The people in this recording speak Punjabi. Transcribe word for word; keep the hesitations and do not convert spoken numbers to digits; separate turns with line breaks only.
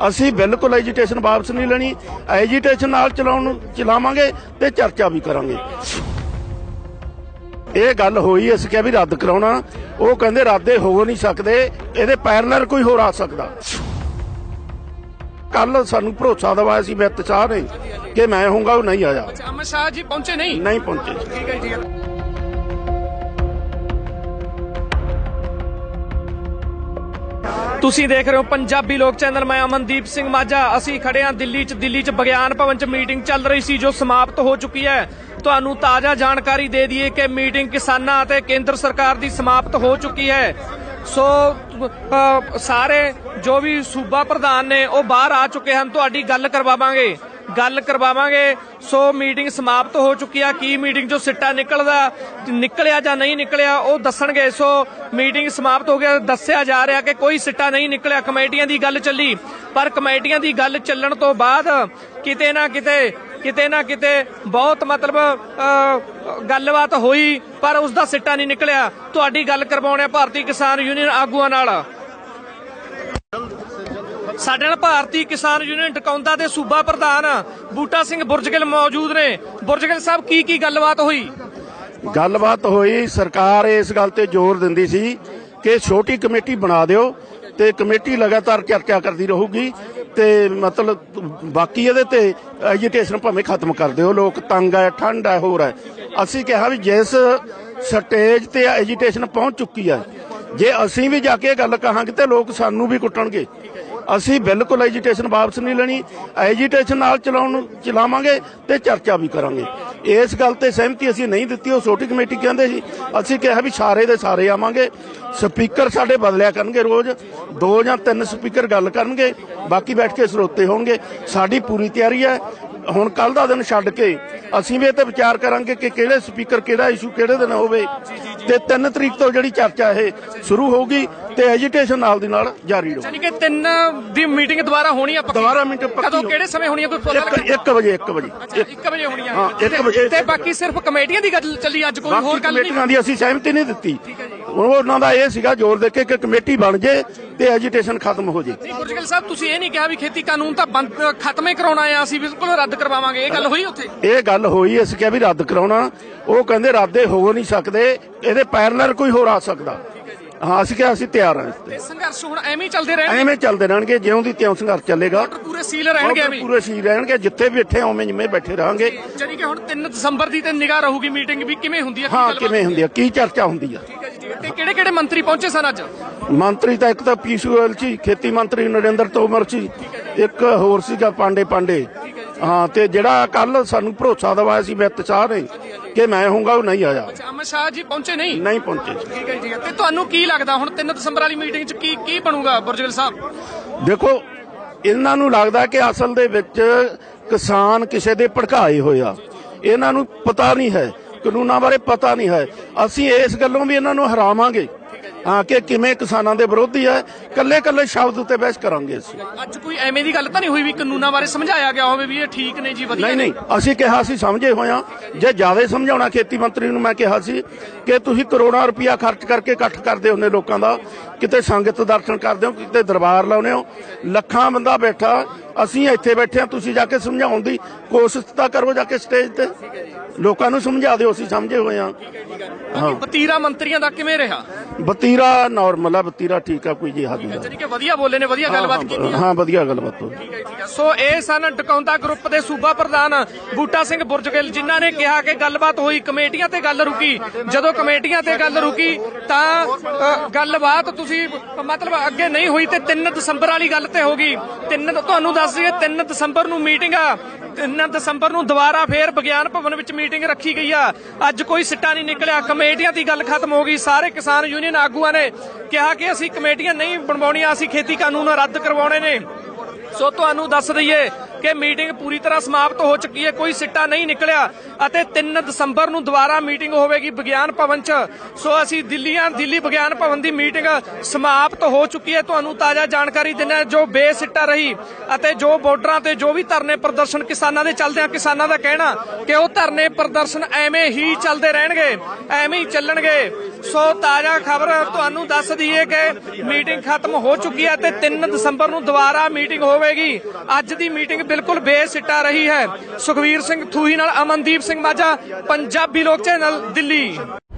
ਅਸੀਂ ਬਿਲकुल एजिटेशन वापस नहीं लेनी। एजिटेशन नाल चलाउण चलावांगे ते चर्चा भी करांगे। ਇਹ ਗੱਲ ਹੋਈ ਅਸੀਂ ਕਿਹਾ ਵੀ ਰੱਦ ਕਰਾਉਣਾ, ਉਹ ਕਹਿੰਦੇ ਰੱਦੇ ਹੋ ਨਹੀਂ ਸਕਦੇ, ਇਹਦੇ ਪੈਰਲਲ ਕੋਈ ਹੋਰ ਆ ਸਕਦਾ। ਕੱਲ ਸਾਨੂੰ ਭਰੋਸਾ ਦਵਾਇਆ ਸੀ ਵਿੱਤ ਸਾਹਿਬ ਨੇ ਕਿ ਮੈਂ ਹੋਊਂਗਾ, ਉਹ ਨਹੀਂ ਆਇਆ।
ਅਮਿਤ ਸ਼ਾਹ ਜੀ ਪਹੁੰਚੇ ਨਹੀਂ
ਨਹੀਂ ਪਹੁੰਚੇ।
ਠੀਕ ਹੈ ਜੀ। ਤੁਸੀਂ ਦੇਖ ਰਹੇ ਹੋ ਪੰਜਾਬੀ ਲੋਕ ਚੈਨਲ। ਮੈਂ ਅਮਨਦੀਪ ਸਿੰਘ ਮਾਝਾ। ਅਸੀਂ ਖੜੇ ਹਾਂ ਦਿੱਲੀ 'ਚ। ਦਿੱਲੀ 'ਚ ਵਿਗਿਆਨ ਭਵਨ 'ਚ ਮੀਟਿੰਗ ਚੱਲ ਰਹੀ ਸੀ ਜੋ ਸਮਾਪਤ ਹੋ ਚੁੱਕੀ ਹੈ। ਤੁਹਾਨੂੰ ਤਾਜ਼ਾ ਜਾਣਕਾਰੀ ਦੇ ਦਈਏ ਕਿ ਮੀਟਿੰਗ ਕਿਸਾਨਾਂ ਅਤੇ ਕੇਂਦਰ ਸਰਕਾਰ ਦੀ ਸਮਾਪਤ ਹੋ ਚੁੱਕੀ ਹੈ। ਸੋ ਸਾਰੇ ਜੋ ਵੀ ਸੂਬਾ ਪ੍ਰਧਾਨ ਨੇ ਉਹ ਬਾਹਰ ਆ ਚੁੱਕੇ ਹਨ। ਤੁਹਾਡੀ ਗੱਲ ਕਰਵਾਵਾਂਗੇ ਗੱਲ ਕਰਵਾਵਾਂਗੇ ਸੋ ਮੀਟਿੰਗ ਸਮਾਪਤ ਹੋ ਚੁੱਕੀ ਆ। ਕੀ ਮੀਟਿੰਗ ਚੋਂ ਸਿੱਟਾ ਨਿਕਲਦਾ ਨਿਕਲਿਆ ਜਾਂ ਨਹੀਂ ਨਿਕਲਿਆ ਉਹ ਦੱਸਣਗੇ। ਸੋ ਮੀਟਿੰਗ ਸਮਾਪਤ ਹੋ ਗਿਆ। ਦੱਸਿਆ ਜਾ ਰਿਹਾ ਕਿ ਕੋਈ ਸਿੱਟਾ ਨਹੀਂ ਨਿਕਲਿਆ। ਕਮੇਟੀਆਂ ਦੀ ਗੱਲ ਚੱਲੀ, ਪਰ ਕਮੇਟੀਆਂ ਦੀ ਗੱਲ ਚੱਲਣ ਤੋਂ ਬਾਅਦ ਕਿਤੇ ਨਾ ਕਿਤੇ ਕਿਤੇ ਨਾ ਕਿਤੇ ਬਹੁਤ ਮਤਲਬ ਗੱਲਬਾਤ ਹੋਈ, ਪਰ ਉਸ ਦਾ ਸਿੱਟਾ ਨਹੀਂ ਨਿਕਲਿਆ। ਤੁਹਾਡੀ ਗੱਲ ਕਰਵਾਉਣੇ ਭਾਰਤੀ ਕਿਸਾਨ ਯੂਨੀਅਨ ਆਗੂਆਂ ਨਾਲ। ਸਾਡੇ ਨਾਲ ਭਾਰਤੀ ਕਿਸਾਨ ਯੂਨੀਅਨ ਟਿਕਾਉਂਦਾ ਦੇ ਸੂਬਾ ਪ੍ਰਧਾਨ ਬੂਟਾ ਸਿੰਘ ਬੁਰਜਗਿੱਲ ਮੌਜੂਦ ਨੇ। ਬੁਰਜਗਿੱਲ ਸਾਹਿਬ, ਕੀ ਕੀ ਗੱਲਬਾਤ ਹੋਈ?
ਗੱਲਬਾਤ ਹੋਈ, ਸਰਕਾਰ ਇਸ ਗੱਲ ਤੇ ਜ਼ੋਰ ਦਿੰਦੀ ਸੀ ਕਿ ਛੋਟੀ ਕਮੇਟੀ ਬਣਾ ਦਿਓ ਤੇ ਕਮੇਟੀ ਲਗਾਤਾਰ ਚਰਚਾ ਕਰਦੀ ਰਹੂਗੀ ਤੇ ਮਤਲਬ ਬਾਕੀ ਇਹਦੇ ਤੇ ਐਜੀਟੇਸ਼ਨ ਭਾਵੇਂ ਖਤਮ ਕਰ ਦਿਓ। ਲੋਕ ਤੰਗ ਹੈ, ਠੰਡ ਹੈ, ਹੋਰ ਹੈ। ਅਸੀਂ ਕਿਹਾ ਵੀ ਜਿਸ ਸਟੇਜ ਤੇ ਐਜੀਟੇਸ਼ਨ ਪਹੁੰਚ ਚੁੱਕੀ ਹੈ, ਜੇ ਅਸੀਂ ਵੀ ਜਾ ਕੇ ਗੱਲ ਕਹਾਂਗੇ ਤੇ ਲੋਕ ਸਾਨੂੰ ਵੀ ਕੁੱਟਣਗੇ। ਅਸੀਂ ਬਿਲकुल एजिटेशन वापस नहीं लेनी। एजिटेशन नाल चलाउण चलावांगे ते चर्चा भी करांगे। इस गल ते सहमति असीं नहीं दित्ती। ਉਹ ਛੋਟੀ कमेटी कहंदे सी, ਅਸੀਂ ਕਿਹਾ ਵੀ ਸਾਰੇ ਦੇ ਸਾਰੇ ਆਵਾਂਗੇ। ਸਪੀਕਰ ਸਾਡੇ ਬਦਲਿਆ ਕਰਨਗੇ, ਰੋਜ਼ ਦੋ ਜਾਂ ਤਿੰਨ ਸਪੀਕਰ ਗੱਲ ਕਰਨਗੇ, ਬਾਕੀ ਬੈਠ ਕੇ ਸਰੋਤੇ ਹੋਣਗੇ। ਸਾਡੀ ਪੂਰੀ ਤਿਆਰੀ ਹੈ। ਹੁਣ ਕੱਲ ਦਾ ਦਿਨ ਛੱਡ ਕੇ ਅਸੀਂ ਵੀ ਇਹ ਤੇ ਵਿਚਾਰ ਕਰਾਂਗੇ ਕਿ ਕਿਹੜੇ ਸਪੀਕਰ ਕਿਹੜਾ ਇਸ਼ੂ ਕਿਹੜੇ ਦਿਨ ਹੋਵੇ ਤੇ ਤਿੰਨ ਤਰੀਕ ਤੋਂ ਜਿਹੜੀ ਚਰਚਾ ਇਹ ਸ਼ੁਰੂ ਹੋਊਗੀ ਤੇ ਐਜੀਟੇਸ਼ਨ ਨਾਲ ਦੀ ਨਾਲ ਜਾਰੀ ਰਹੂ।
ਯਾਨੀ ਕਿ ਤਿੰਨ ਦੀ ਮੀਟਿੰਗ ਦੁਬਾਰਾ ਹੋਣੀ ਆ?
ਦੁਬਾਰਾ ਮੀਟਿੰਗ
ਕਦੋਂ, ਕਿਹੜੇ ਸਮੇਂ ਹੋਣੀ ਆ? ਕੋਈ ਪਤਾ ਲੱਗਾ?
ਇੱਕ ਵਜੇ ਇੱਕ ਵਜੇ
ਇੱਕ ਵਜੇ ਹੋਣੀ ਆ?
ਹਾਂ, ਇੱਕ ਵਜੇ।
ਤੇ ਬਾਕੀ ਸਿਰਫ ਕਮੇਟੀਆਂ ਦੀ ਗੱਲ ਚੱਲੀ, ਅੱਜ ਕੋਈ ਹੋਰ ਗੱਲ ਨਹੀਂ?
ਕਮੇਟੀਆਂ ਦੀ ਅਸੀਂ ਸਹਿਮਤੀ ਨਹੀਂ ਦਿੱਤੀ। ਉਹਨਾਂ ਦਾ ਇਹ ਸੀਗਾ ਜ਼ੋਰ ਦੇ ਕੇ ਕਿ ਕਮੇਟੀ ਬਣ ਜੇ ਤੇ ਐਜੀਟੇਸ਼ਨ ਖਤਮ ਹੋ ਜੇ।
ਬੁਰਜਗਿੱਲ ਸਾਹਿਬ, ਤੁਸੀਂ ਇਹ ਨਹੀਂ ਕਿਹਾ ਵੀ ਖੇਤੀ ਕਾਨੂੰਨ ਤਾਂ ਬੰਦ ਖਤਮ ਹੀ ਕਰਾਉਣਾ ਆ, ਅਸੀਂ ਬਿਲਕੁਲ ਰੱਦ ਕਰਵਾਵਾਂਗੇ? ਇਹ ਗੱਲ ਹੋਈ ਉੱਥੇ?
ਇਹ ਗੱਲ ਹੋਈ, ਅਸੀਂ ਕਿਹਾ ਵੀ ਰੱਦ ਕਰਾਉਣਾ, ਉਹ ਕਹਿੰਦੇ ਰੱਦੇ ਹੋ ਨਹੀਂ ਸਕਦੇ, ਇਹਦੇ ਪੈਰਲਲ ਕੋਈ ਹੋਰ ਆ ਸਕਦਾ। ਹਾਂ, ਅਸੀਂ ਕਿਹਾ ਅਸੀਂ ਤਿਆਰ ਹਾਂ।
ਤੇ ਸੰਘਰਸ਼ ਹੁਣ ਐਵੇਂ ਹੀ ਚੱਲਦੇ ਰਹਿਣਗੇ?
ਐਵੇਂ ਚੱਲਦੇ ਰਹਿਣਗੇ, ਜਿਉਂ ਦੀ ਤਿਉਂ ਸੰਘਰਸ਼ ਚੱਲੇਗਾ।
ਪੂਰੇ ਸੀਲ ਰਹਿਣਗੇ? ਐਵੇਂ
ਪੂਰੇ ਸੀਲ ਰਹਿਣਗੇ, ਜਿੱਥੇ ਵੀ ਇੱਥੇ ਉਵੇਂ ਜਿਵੇਂ ਬੈਠੇ ਰਹਾਂਗੇ।
ਜਾਨੀ ਕਿ ਹੁਣ ਤਿੰਨ ਦਸੰਬਰ ਦੀ ਤੇ ਨਿਗਾਹ ਰਹੂਗੀ ਮੀਟਿੰਗ ਵੀ ਕਿਵੇਂ ਹੁੰਦੀ ਹੈ?
ਹਾਂ, ਕਿਵੇਂ ਹੁੰਦੀ ਹੈ, ਕੀ ਚਰਚਾ ਹੁੰਦੀ ਹੈ।
ਠੀਕ ਹੈ ਜੀ, ਠੀਕ ਹੈ। ਤੇ ਕਿਹੜੇ ਕਿਹੜੇ ਮੰਤਰੀ ਪਹੁੰਚੇ ਸਨ ਅੱਜ?
ਮੰਤਰੀ ਤਾਂ ਇੱਕ ਤਾਂ ਪੀਯੂਸ਼ ਗੋਇਲ ਸੀ, ਖੇਤੀ ਮੰਤਰੀ ਨਰਿੰਦਰ ਤੋਮਰ ਸੀ, ਇੱਕ ਹੋਰ ਸੀਗਾ ਪਾਂਡੇ ਪਾਂਡੇ। ਹਾਂ, ਤੇ ਜਿਹੜਾ ਕੱਲ ਸਾਨੂੰ ਭਰੋਸਾ ਦਵਾਇਆ ਸੀ ਵਿੱਤ ਸਾਹਿਬ ਨੇ ਕਿ ਮੈਂ ਹੋਊਂਗਾ, ਉਹ ਨਹੀਂ ਆਇਆ।
ਅਮਿਤ ਸ਼ਾਹ ਜੀ ਪਹੁੰਚੇ ਨਹੀਂ
ਨਹੀਂ ਪਹੁੰਚੇ।
ਠੀਕ ਹੈ, ਠੀਕ ਹੈ। ਤੇ ਤੁਹਾਨੂੰ ਕੀ ਲੱਗਦਾ ਹੁਣ ਤਿੰਨ ਦਸੰਬਰ ਵਾਲੀ ਮੀਟਿੰਗ 'ਚ ਕੀ ਕੀ ਬਣੂਗਾ ਬੁਰਜਗਿੱਲ ਸਾਹਿਬ?
ਦੇਖੋ, ਇਹਨਾਂ ਨੂੰ ਲੱਗਦਾ ਕਿ ਅਸਲ ਦੇ ਵਿੱਚ ਕਿਸਾਨ ਕਿਸੇ ਦੇ ਭੜਕਾਏ ਹੋਏ ਆ। ਇਹਨਾਂ ਨੂੰ ਪਤਾ ਨਹੀਂ ਹੈ, ਕਾਨੂੰਨਾਂ ਬਾਰੇ ਪਤਾ ਨਹੀਂ ਹੈ। ਅਸੀਂ ਇਸ ਗੱਲੋਂ ਵੀ ਇਹਨਾਂ ਨੂੰ ਹਰਾਵਾਂਗੇ ਹਾਂ ਕਿ ਕਿਵੇਂ ਕਿਸਾਨਾਂ ਦੇ ਵਿਰੋਧੀ ਹੈ। ਕੱਲੇ ਕੱਲੇ ਸ਼ਬਦ ਉੱਤੇ ਬਹਿਸ ਕਰਾਂਗੇ। ਅਸੀਂ
ਅੱਜ ਕੋਈ ਐਵੇਂ ਦੀ ਗੱਲ ਤਾਂ ਨਹੀਂ ਹੋਈ ਵੀ ਕਾਨੂੰਨਾਂ ਬਾਰੇ ਸਮਝਾਇਆ ਗਿਆ ਹੋਵੇ ਵੀ ਇਹ ਠੀਕ ਨੇ ਜੀ, ਵਧੀਆ?
ਨਹੀਂ ਨਹੀਂ, ਅਸੀਂ ਕਿਹਾ ਅਸੀਂ ਸਮਝੇ ਹੋਏ ਹਾਂ। ਜੇ ਜ਼ਿਆਦਾ ਸਮਝਾਉਣਾ, ਖੇਤੀ ਮੰਤਰੀ ਨੂੰ ਮੈਂ ਕਿਹਾ ਸੀ ਕਿ ਤੁਸੀਂ ਕਰੋੜਾਂ ਰੁਪਇਆ ਖਰਚ ਕਰਕੇ ਇਕੱਠ ਕਰਦੇ ਹੁੰਦੇ ਲੋਕਾਂ ਦਾ, ਕਿਤੇ ਸੰਗਤ ਦਰਸ਼ਨ ਕਰਦੇ ਹੋ, ਕਿਤੇ ਦਰਬਾਰ ਲਾਉਂਦੇ ਹੋ, ਲੱਖਾਂ ਬੰਦਾ ਬੈਠਾ, ਅਸੀਂ ਇੱਥੇ ਬੈਠੇ ਹਾਂ। ਤੁਸੀਂ ਜਾ ਕੇ ਸਮਝਾਉਣ ਦੀ ਕੋਸ਼ਿਸ਼ ਤਾਂ ਕਰੋ, ਜਾ ਕੇ ਸਟੇਜ ਤੇ ਲੋਕਾਂ ਨੂੰ ਸਮਝਾ ਦਿਓ। ਅਸੀਂ ਸਮਝੇ ਹੋਏ ਹਾਂ।
ਹਾਂ, ਵਤੀਰਾ ਮੰਤਰੀਆਂ ਦਾ ਕਿਵੇਂ ਰਿਹਾ?
ਵਤੀਰਾ ਨਾਰਮਲ ਆ, ਵਤੀਰਾ ਠੀਕ ਆ, ਕੋਈ ਜੀ ਹੱਦ ਨਹੀਂ।
ਜਾਨੀ ਕਿ ਵਧੀਆ ਬੋਲੇ ਨੇ, ਵਧੀਆ ਗੱਲਬਾਤ ਕੀਤੀ।
ਹਾਂ, ਵਧੀਆ ਗੱਲਬਾਤ ਹੋਈ।
ਠੀਕ ਹੈ, ਠੀਕ ਹੈ। ਸੋ ਇਹ ਸਨ ਟਿਕਾਉਂਦਾ ਗਰੁੱਪ ਦੇ ਸੂਬਾ ਪ੍ਰਧਾਨ ਬੂਟਾ ਸਿੰਘ ਬੁਰਜਗਿੱਲ, ਜਿਨ੍ਹਾਂ ਨੇ ਕਿਹਾ ਕਿ ਗੱਲਬਾਤ ਹੋਈ, ਕਮੇਟੀਆਂ ਤੇ ਗੱਲ ਰੁਕੀ। ਜਦੋਂ ਕਮੇਟੀਆਂ ਤੇ ਗੱਲ ਰੁਕੀ ਤਾਂ ਗੱਲਬਾਤ ਤੁਸੀਂ ਮਤਲਬ ਅੱਗੇ ਨਹੀਂ ਹੋਈ ਤੇ ਤਿੰਨ ਦਸੰਬਰ ਵਾਲੀ ਗੱਲ ਤੇ ਹੋ ਗਈ। ਤਿੰਨ ਤੁਹਾਨੂੰ ਦੱਸ ਦਈਏ ਤਿੰਨ ਦਸੰਬਰ ਨੂੰ ਮੀਟਿੰਗ ਆ। ਤਿੰਨ ਦਸੰਬਰ ਨੂੰ ਦੁਬਾਰਾ ਫੇਰ ਵਿਗਿਆਨ ਭਵਨ ਵਿੱਚ ਮੀਟਿੰਗ ਰੱਖੀ ਗਈ ਆ। ਅੱਜ ਕੋਈ ਸਿੱਟਾ ਨਹੀਂ ਨਿਕਲਿਆ। ਕਮੇਟੀਆਂ ਦੀ ਗੱਲ ਖਤਮ ਹੋ ਗਈ। ਸਾਰੇ ਕਿਸਾਨ ਯੂਨੀਅਨ ਆਗੂਆਂ ਨੇ ਕਿਹਾ ਕਿ ਅਸੀਂ ਕਮੇਟੀਆਂ ਨਹੀਂ ਬਣਵਾਉਣੀਆਂ, ਅਸੀਂ ਖੇਤੀ ਕਾਨੂੰਨ ਰੱਦ ਕਰਵਾਉਣੇ ਨੇ। ਸੋ ਤੁਹਾਨੂੰ ਦੱਸ ਦਈਏ ਕਿ ਮੀਟਿੰਗ ਪੂਰੀ ਤਰ੍ਹਾਂ ਸਮਾਪਤ ਹੋ ਚੁੱਕੀ ਹੈ, ਕੋਈ ਸਿੱਟਾ ਨਹੀਂ ਨਿਕਲਿਆ ਅਤੇ ਤਿੰਨ ਦਸੰਬਰ ਨੂੰ ਦੁਬਾਰਾ ਮੀਟਿੰਗ ਹੋਵੇਗੀ ਵਿਗਿਆਨ ਭਵਨ 'ਚ। ਸੋ ਅਸੀਂ ਦਿੱਲੀਆਂ ਦਿੱਲੀ ਵਿਗਿਆਨ ਭਵਨ ਦੀ ਮੀਟਿੰਗ ਸਮਾਪਤ ਹੋ ਚੁੱਕੀ ਹੈ। ਤੁਹਾਨੂੰ ਤਾਜ਼ਾ ਜਾਣਕਾਰੀ ਦਿੰਦੇ ਜੋ ਬੇਸਿੱਟਾ ਰਹੀ ਅਤੇ ਜੋ ਬਾਰਡਰਾਂ ਤੇ ਜੋ ਵੀ ਧਰਨੇ ਪ੍ਰਦਰਸ਼ਨ ਕਿਸਾਨਾਂ ਦੇ ਚੱਲਦੇ ਆ। ਕਿਸਾਨਾਂ ਦਾ ਕਹਿਣਾ ਕਿ ਉਹ ਧਰਨੇ ਪ੍ਰਦਰਸ਼ਨ ਐਵੇਂ ਹੀ ਚੱਲਦੇ ਰਹਿਣਗੇ, ਐਵੇਂ ਹੀ ਚੱਲਣਗੇ। ਸੋ ਤਾਜ਼ਾ ਖਬਰ ਤੁਹਾਨੂੰ ਦੱਸ ਦਈਏ ਕਿ ਮੀਟਿੰਗ ਖਤਮ ਹੋ ਚੁੱਕੀ ਹੈ ਤੇ ਤਿੰਨ ਦਸੰਬਰ ਨੂੰ ਦੁਬਾਰਾ ਮੀਟਿੰਗ ਹੋਵੇਗੀ। ਅੱਜ ਦੀ ਮੀਟਿੰਗ ਬਿਲਕੁਲ ਬੇਸਿੱਟਾ ਰਹੀ ਹੈ। ਸੁਖਵੀਰ ਸਿੰਘ ਥੂਹੀ ਨਾਲ ਅਮਨਦੀਪ ਸਿੰਘ ਮਾਝਾ, ਪੰਜਾਬੀ ਲੋਕ ਚੈਨਲ, ਦਿੱਲੀ।